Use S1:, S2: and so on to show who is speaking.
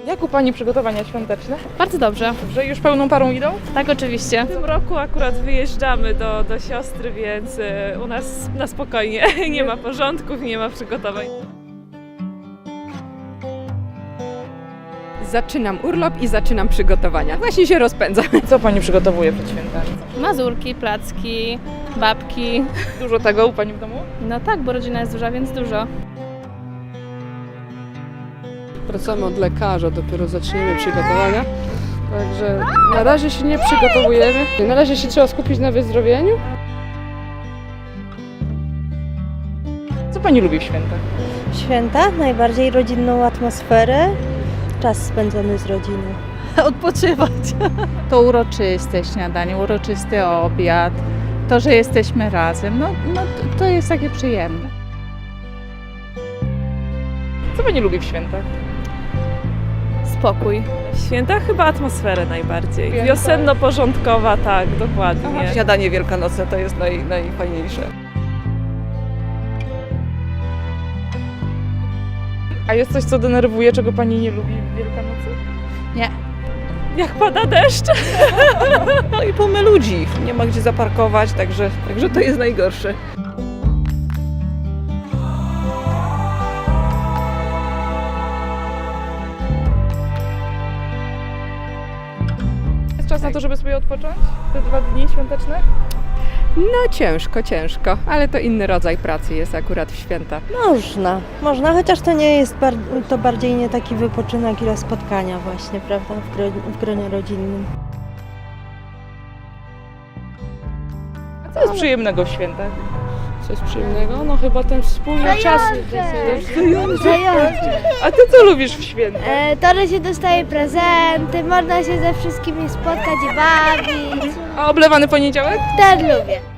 S1: Jak u Pani przygotowania świąteczne?
S2: Bardzo dobrze.
S1: Że już pełną parą idą?
S2: Tak, oczywiście.
S3: W tym roku akurat wyjeżdżamy do siostry, więc u nas na spokojnie. Nie ma porządków, nie ma przygotowań.
S4: Zaczynam urlop i zaczynam przygotowania. Właśnie się rozpędzam.
S1: Co Pani przygotowuje przed świętami?
S2: Mazurki, placki, babki.
S1: Dużo tego u Pani w domu?
S2: No tak, bo rodzina jest duża, więc dużo.
S5: Wracamy od lekarza, dopiero zaczniemy przygotowania. Także na razie się nie przygotowujemy. Na razie się trzeba skupić na wyzdrowieniu.
S1: Co Pani lubi w świętach?
S6: Święta, najbardziej rodzinną atmosferę, czas spędzony z rodziną. Odpoczywać.
S7: To uroczyste śniadanie, uroczysty obiad, to, że jesteśmy razem, to jest takie przyjemne.
S1: Co Pani lubi w świętach?
S2: Spokój.
S3: W świętach chyba atmosferę najbardziej.
S1: Święta.
S3: Wiosenno-porządkowa, tak, dokładnie.
S4: Śniadanie wielkanocne to jest najfajniejsze.
S1: A jest coś, co denerwuje, czego Pani nie lubi w Wielkanocy?
S3: Jak pada deszcz.
S4: No i tłumy ludzi. Nie ma gdzie zaparkować, także to jest najgorsze.
S1: Jest czas na to, żeby sobie odpocząć? Te 2 dni świąteczne?
S4: No ciężko, ale to inny rodzaj pracy jest akurat w święta.
S6: Można, chociaż to nie jest, to bardziej nie taki wypoczynek, ile spotkania właśnie, prawda, w gronie rodzinnym.
S1: A co jest przyjemnego w świętach?
S5: Coś przyjemnego? No chyba ten wspólny czas.
S1: A Ty co lubisz w świętach?
S8: To, że się dostaje prezenty, można się ze wszystkimi spotkać i bawić.
S1: A oblewany poniedziałek?
S8: Też lubię.